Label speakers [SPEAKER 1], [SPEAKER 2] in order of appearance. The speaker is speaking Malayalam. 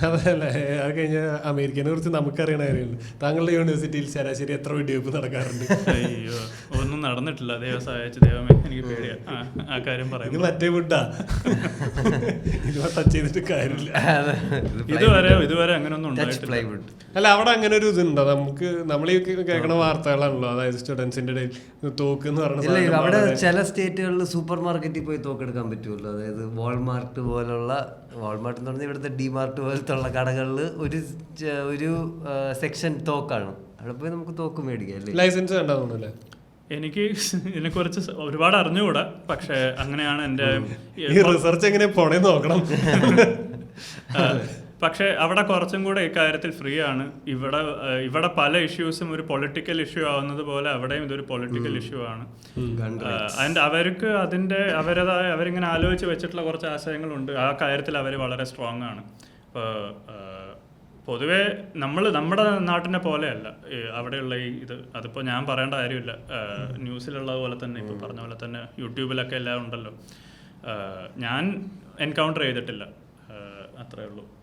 [SPEAKER 1] അതല്ല, അത് കഴിഞ്ഞ അമേരിക്കനെ കുറിച്ച് നമുക്കറിയണ കാര്യമുണ്ട്. താങ്കളുടെ യൂണിവേഴ്സിറ്റിയിൽ ശരാശരി എത്ര വെടിവെപ്പ് നടക്കാറുണ്ട്?
[SPEAKER 2] അയ്യോ, ഒന്നും നടന്നിട്ടില്ല. ദൈവം സഹായിച്ചു. ദൈവമേ, എനിക്ക് പേടിയാ ആ കാര്യം
[SPEAKER 1] ഇത്
[SPEAKER 2] പറയും.
[SPEAKER 1] മറ്റേ വിട്ടാ ഇത് ടച്ച് ചെയ്തിട്ട് കാര്യമില്ല.
[SPEAKER 2] ഇതുവരെ അങ്ങനെയൊന്നും ഉണ്ടായിട്ടില്ല.
[SPEAKER 1] അല്ല, അവിടെ അങ്ങനെ ഒരു ഇതുണ്ടോ? നമ്മൾ ഈ കേൾക്കണ വാർത്തകളാണല്ലോ, അതായത് സ്റ്റുഡൻസിന്റെ ഇടയിൽ തോക്ക് എന്ന് പറഞ്ഞ
[SPEAKER 3] അവിടെ ചില സ്റ്റേറ്റുകളിൽ സൂപ്പർ മാർക്കറ്റിൽ പോയി തോക്കെടുക്കാൻ പറ്റുമല്ലോ. അതായത് വാൾമാർട്ട് പോലുള്ള, വാൾമാർട്ട് എന്ന് പറഞ്ഞാൽ ഇവിടുത്തെ ഡിമാർട്ട് പോലത്തെ ഉള്ള കടകളിൽ ഒരു സെക്ഷൻ തോക്കാണ്. അവിടെ പോയി നമുക്ക് തോക്ക് മേടിക്കാം അല്ലേ?
[SPEAKER 1] ലൈസൻസ് വേണ്ടാവുന്നല്ലേ?
[SPEAKER 2] എനിക്ക് ഇതിനെക്കുറിച്ച് ഒരുപാട് അറിഞ്ഞുകൂടാ, പക്ഷെ അങ്ങനെയാണ് എൻ്റെ
[SPEAKER 1] റിസർച്ച് എങ്ങനെ പോണേ നോക്കണം.
[SPEAKER 2] പക്ഷേ അവിടെ കുറച്ചും കൂടെ ഇക്കാര്യത്തിൽ ഫ്രീ ആണ്. ഇവിടെ പല ഇഷ്യൂസും ഒരു പൊളിറ്റിക്കൽ ഇഷ്യൂ ആവുന്നത് പോലെ അവിടെയും ഇതൊരു പൊളിറ്റിക്കൽ ഇഷ്യൂ ആണ്. ആൻഡ് അവർക്ക് അവരിങ്ങനെ ആലോചിച്ച് വെച്ചിട്ടുള്ള കുറച്ച് ആശയങ്ങളുണ്ട്. ആ കാര്യത്തിൽ അവർ വളരെ സ്ട്രോങ് ആണ്. ഇപ്പോൾ പൊതുവേ നമ്മുടെ നാട്ടിനെ പോലെയല്ല അവിടെയുള്ള അതിപ്പോൾ ഞാൻ പറയേണ്ട കാര്യമില്ല. ന്യൂസിലുള്ളത് പോലെ തന്നെ, ഇപ്പോൾ പറഞ്ഞ പോലെ തന്നെ യൂട്യൂബിലൊക്കെ എല്ലാം ഉണ്ടല്ലോ. ഞാൻ എൻകൗണ്ടർ ചെയ്തിട്ടില്ല, അത്രേ ഉള്ളൂ.